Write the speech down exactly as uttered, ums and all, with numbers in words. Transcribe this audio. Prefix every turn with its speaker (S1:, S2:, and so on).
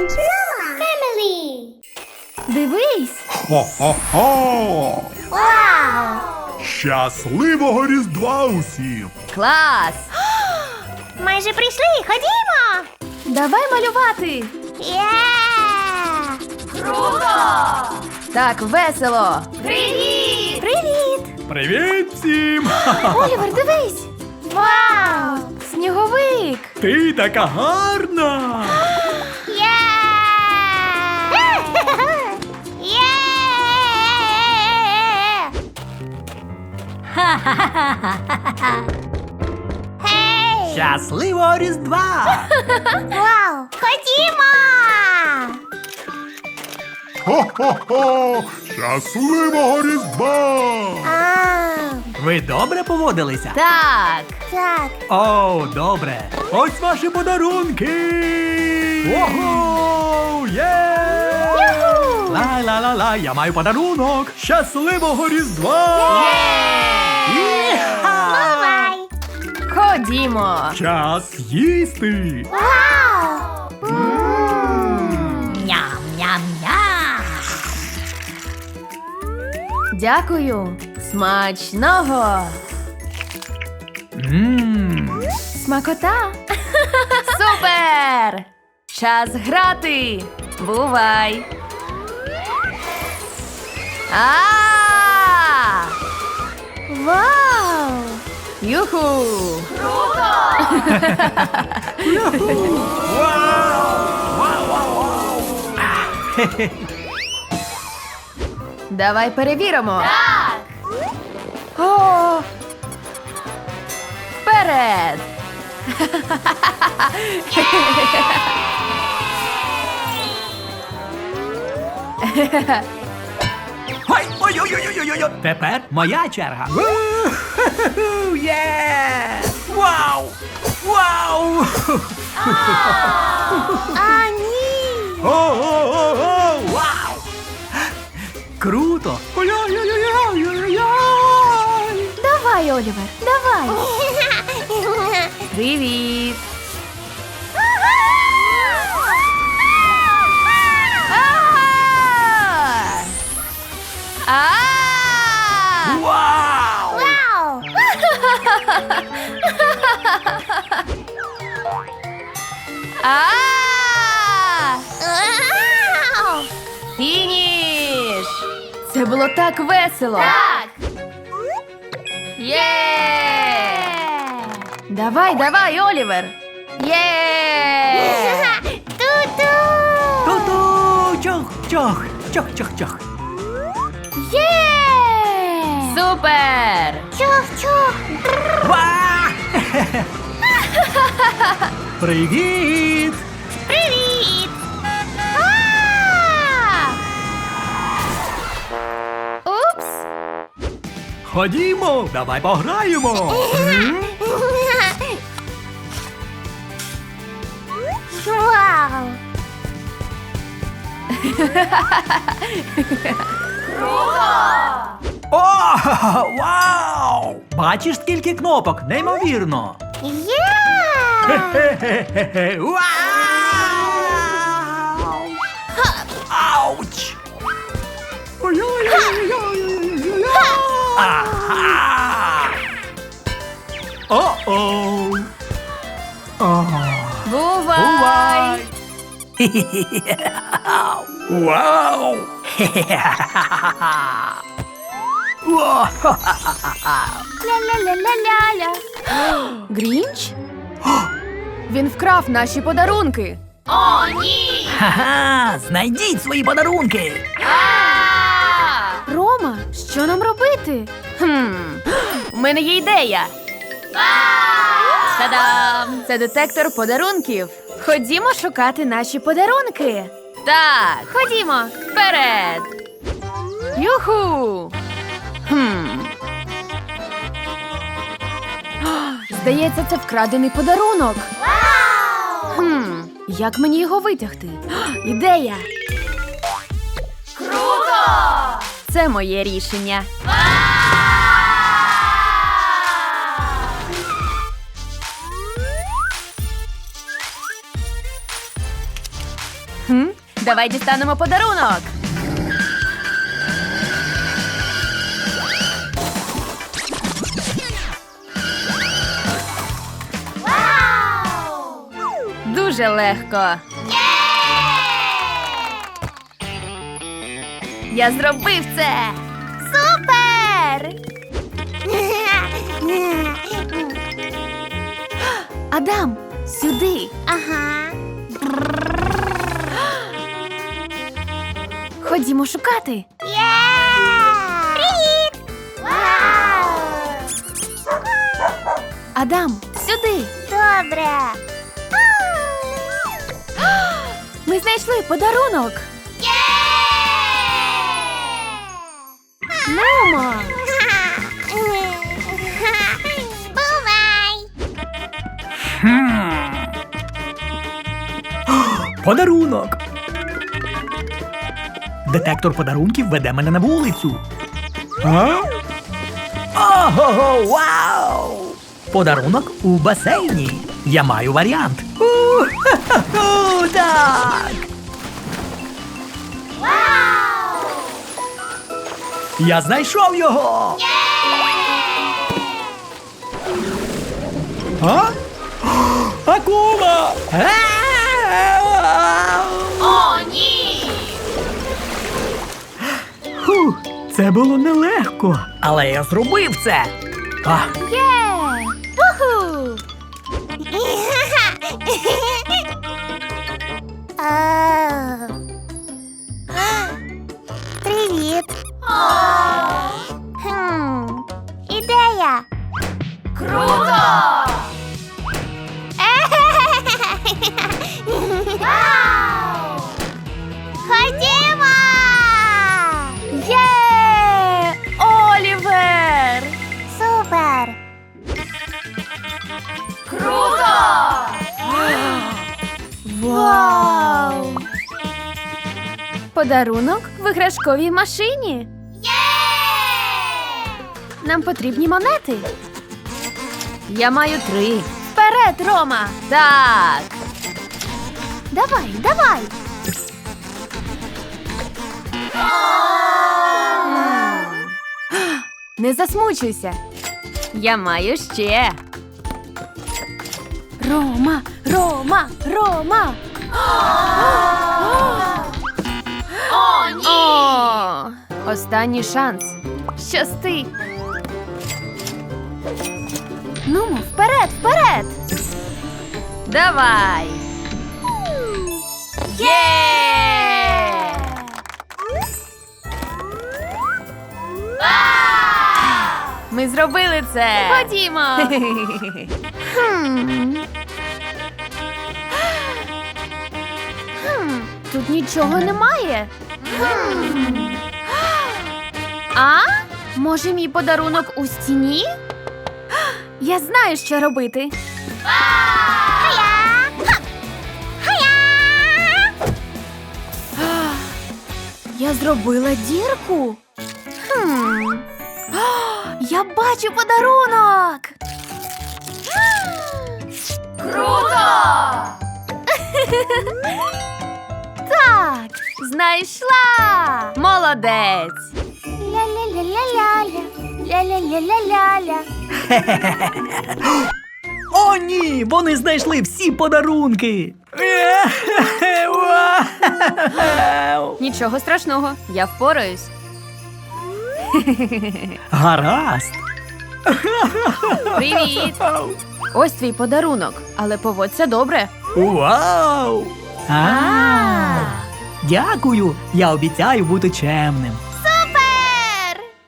S1: Noah Family.
S2: Дивись!
S3: Хо-хо-хо!
S1: Вау!
S3: Щасливого Різдва усім!
S2: Клас!
S1: Майже прийшли, ходімо!
S2: Давай малювати!
S1: Є!
S2: Так весело!
S1: Привіт! Привіт!
S3: Привіт всім!
S2: Олівер, дивись!
S1: Вау!
S2: Сніговик!
S3: Ти така гарна!
S1: Є! Є! Гей!
S4: Щасливого Різдва!
S1: Вау! Ходімо!
S3: Хо-хо-хо! Щасливого Різдва!
S1: А,
S4: Ви добре поводилися?
S2: Так!
S1: так.
S4: О, добре. Ось ваші подарунки! Ого! Є!
S1: Юху!
S4: Ла-ла-ла-ла, я маю подарунок! Щасливого Різдва! Іха!
S1: Бувай!
S2: Ходімо!
S3: Час їсти!
S1: Вау!
S4: Ням-ням-ням!
S2: Дякую! Смачного!
S4: Ммм!
S2: Смакота! Супер! Час грати! Бувай! А!
S1: Вау!
S2: Юху! Давай перевіримо. Так. О! Вперед!
S4: Ой, ой-ой-ой-ой-ой! Тепер моя черга. У-ху-ху-ху, Є! Вау! Вау!
S1: А, ні!
S4: О-о-о-о! Вау! Круто! Ой-ой-ой-ой-ой-ой!
S2: Давай, Олівер, давай! Привіт! А! А!
S4: Вау!
S1: Вау!
S2: А!
S1: Вау!
S2: Фініш! Це було так весело! Так! Є! Давай, давай, Олівер! Є!
S1: Ту-ту!
S4: Ту-ту! Чох-чох! Чох-чох-чох!
S2: Є! Супер!
S1: Чух-чух!
S4: Ва! Привіт!
S1: Привіт! А! Упс!
S4: Ходімо! Давай пограємо!
S1: Вау!
S4: О! Вау! Бачиш, скільки кнопок? Неймовірно!
S1: Є!
S4: Хе-хе-хе-хе! Вау! Ауч! Ой-ой-ой-ой-ой-ой-ой! Ага! О-оу! О!
S2: Бувай!
S4: Бувай! Вау!
S2: Ля-ля-ля-ля-ля-ля. Грінч? Він вкрав наші подарунки. О, ні!
S4: Ха-ха! Знайдіть свої подарунки!
S2: Рома, що нам робити? Хм, у мене є ідея. Та-дам! Це детектор подарунків. Ходімо шукати наші подарунки. Так, ходімо, вперед. Юху! Хм. О, здається, це вкрадений подарунок. Хм, як мені його витягти? О, ідея! Круто! Це моє рішення. Хм? Давай дістанемо подарунок.
S1: Вау!
S2: Дуже легко. Я зробив це.
S1: Супер!
S2: Адам, сюди.
S1: Ага.
S2: Ходімо шукати.
S1: Є! Привіт! Вау!
S2: Адам, сюди.
S1: Добре.
S2: Ми знайшли подарунок.
S1: Є!
S2: Нумо.
S1: Бувай!
S4: Подарунок. Детектор подарунків веде мене на вулицю. А? Ого, вау! Подарунок у басейні. Я маю варіант. У-ху-ху, так!
S1: Вау!
S4: Я знайшов його! А? Акула!
S1: О, ні!
S4: Фу, це було нелегко, але я зробив це. А,
S2: Є! Уху!
S1: А. Привіт. Хм. Ідея.
S2: Круто!
S1: Вау! Ходімо!
S2: Є! Олівер!
S1: Супер!
S2: Круто! Вау! Подарунок в іграшковій машині. Нам потрібні монети. Я маю три. Вперед, Рома! Так. Давай, давай. М. Не засмучуйся. Я маю ще. Рома, Рома, Рома.
S1: О, ні!
S2: О, останній шанс. Щасти. Нумо, вперед, вперед. Давай. Є! Ми зробили це. Ходімо.
S1: Хм.
S2: Хм, тут нічого немає. А? Може, мій подарунок у стіні? Я знаю, що робити.
S1: Хая! Ха! Хая!
S2: Я зробила дірку. Хм. Я бачу подарунок. Круто! Так, знайшла. Молодець.
S1: Ля-ля-ля-ля-ля-ля. Ля-ля-ля-ля-ля-ля.
S4: О, ні! Вони знайшли всі подарунки! Вау!
S2: Нічого страшного, я впораюсь.
S4: Гаразд!
S2: Привіт! Ось твій подарунок, але поводься добре.
S4: Вау! А, дякую! Я обіцяю бути чемним.